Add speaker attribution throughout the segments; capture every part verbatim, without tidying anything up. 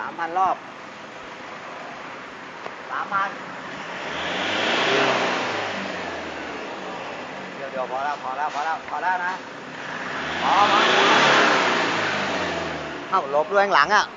Speaker 1: ามพันรอบสามพันเดี๋ยวเดี๋ยวพอแล้วพอแล้วพอแล้วพอแล้วนะพอพอเข้าลบด้วยข้างหลังอ่ะ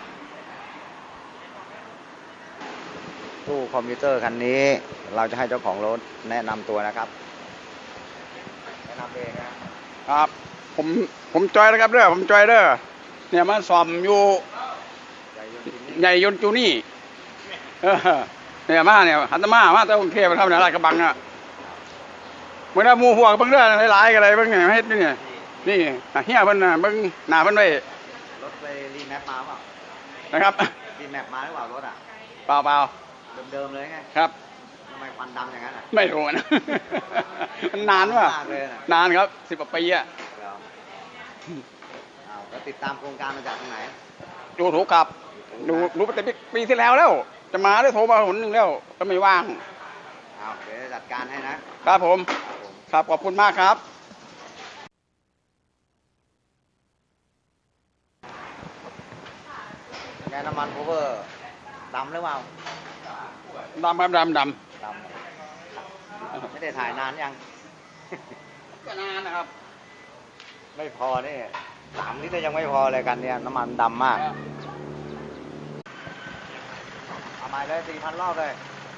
Speaker 1: ตู้คอมพิวเตอร์คันนี้เราจะให้เจ้าของรถแนะนำตัวนะครับแนะนำเองนะครับ
Speaker 2: ผมผมจอยนะครับเด้อผมจอยเด้อเนี่ยมันซ่อมอยู่ใหญ่ยนต์จูนี่เออเนี่ยมาเนี่ยหันตมามาแต่กรุงเทพมาทำเนี่ยลาดกระบังอ่ะเมื่อนั้นมูหัวเบิ่งเด้อหลายๆกันเลยเบิ่งเนี่ยเฮ็ดนี่นี่เฮียเพิ่นน่ะเบิ่งหน้าเพิ่นไว้
Speaker 1: รถไปรีแมปมาเปล่า
Speaker 2: นะครับ
Speaker 1: รีแมปมาหรือเปล่ารถอ่ะ
Speaker 2: เปล่าเปล่า
Speaker 1: เดิมๆเลยไง
Speaker 2: ครับ
Speaker 1: ทำไมควันดำอย่างนั้นอ่ะ
Speaker 2: ไม่รู้นะมันนานว่ะนานครับสิบกว่าปีอ่ะ
Speaker 1: แล้วติดตามโครงการมาจากตรงไหน
Speaker 2: ดูถูกครับดูรู้ตั้งแต่ปีที่แล้วแล้วจะมาได้โทรมาหนหนึ่งแล้วก็ไม่ว่าง
Speaker 1: เอาเดี๋ยวจัดการให้
Speaker 2: นะครับผมครับขอบคุณมากครับ
Speaker 1: แกน้ำมันโคเวอร์ดำหรือเปล่า
Speaker 2: ดำครับดำดำ
Speaker 1: ไม่ได้ถ่ายนานยัง
Speaker 2: ก็นานนะครับ
Speaker 1: ไม่พอนี่สามลิตรยังไม่พอเลยกันเนี่ยน้ำมันดำมากเอามาเลยสี่พันรอบเลย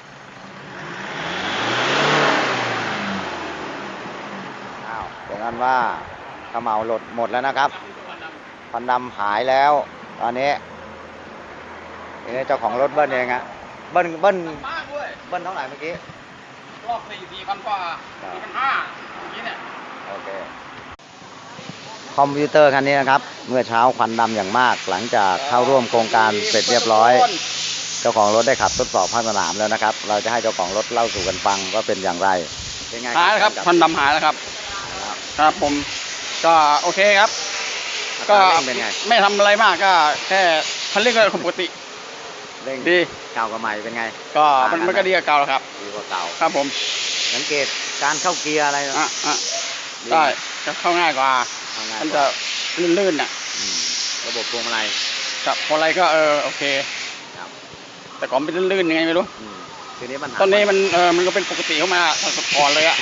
Speaker 1: อ้าวอย่างนั้นว่าขมเหลาหลดหมดแล้วนะครับควันดำหายแล้วตอนนี้นี่เจ้าของรถเบิ้ลเองอะเบิ้ลเบิ้ลเบิ้ลเท่าไหร่เมื่อกี้
Speaker 2: รอบสี่สี่พันกว่าสี่พันห้าอย่างนี้เนี่ย
Speaker 1: โอเคคอมพิวเตอร์คันนี้นะครับเมื่อเช้าควันดำอย่างมากหลังจากเข้าร่วมโครงการเสร็จเรียบร้อยเจ้าของรถได้ขับทดสอบภาคสนามแล้วนะครับเราจะให้เจ้าของรถเล่าสู่กันฟังว่าเป็นอย่างไร
Speaker 2: เป็นไงหายแล้วครับควันดำหายแล้วครับครับผมก็โอเคครับก็ไม่ทำอะไรมากก็แค่คันเร่งก็ปกติ
Speaker 1: เร่งดีเก่ากับใหม่เป็นไง
Speaker 2: ก็มันมันก็ดีกว่าเก่าครับ
Speaker 1: ดีกว่าเก่า
Speaker 2: ครับผม
Speaker 1: สังเกตการเข้าเกียร์อะไร
Speaker 2: อ่ะอ่ะได้จะเข้าง่ายกว่ามันจะลื่นๆน่ะ
Speaker 1: ระบบพวงมาลัย
Speaker 2: กับพวงมาลัยก็เออโอเคแต่ก่อนเป็นลื่นๆยังไงไม่รู้
Speaker 1: ทีนี้ปัญหา
Speaker 2: ตอนนี้มันเออมันก็เป็นปกติเข้ามาก่อนเลยอะ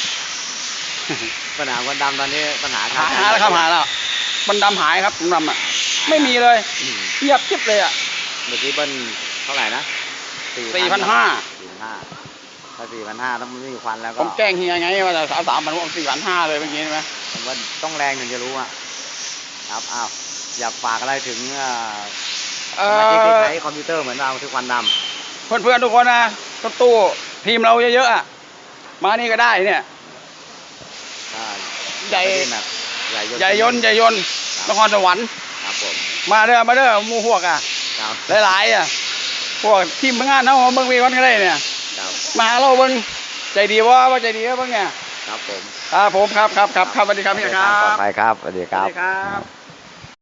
Speaker 1: ปัญหาควันดำตอนนี้ปัญหา
Speaker 2: หายแล้วครับหายแล้วมันดำหายครับผมดำอ่ะไม่มีเลยเงียบกิ๊บเลยอ่ะ
Speaker 1: เมื่อกี้เบิ้ลเท่าไหร่นะ
Speaker 2: สี่พันห้า
Speaker 1: สี่พันห้าถ้าสี่พันห้าต้องไม่มีควันแล้วก็
Speaker 2: ผมแจ้งเฮียไงว่าจะสามสามพันผมสี่พันห้าเลยเมื่อกี้ใช่ไหม
Speaker 1: ผมว่าต้องแรงถึงจะรู้อ่ะครับอ้าวอยากฝากอะไรถึงสมาชิกที่ใช้คอมพิวเตอร์เหมือนเราที่ควันด
Speaker 2: ำเพื่อนๆทุกคนนะรถตู้ทีมเราเยอะๆอ่ะมานี่ก็ได้เนี่ยใหญ่ใหญ่ยนต์ใหญ่ยนต์นครสวรรค์
Speaker 1: ครับผม
Speaker 2: มาเด้อมาเด้อมูพวกอ่ะหลายๆอ่ะพวกทีมงานเขาเบิ่งวีวันก็ได้เนี่ยมาเราเบิ่งใจดีว่าว่าใจดีว่าเบิ่งเนี่ย
Speaker 1: ครับผม
Speaker 2: ครับผมครับครับครับครับสวัสดีครับพี่ครับ
Speaker 1: ปลอดภัยครับสวัสดีครับ
Speaker 2: สวัสดีครับ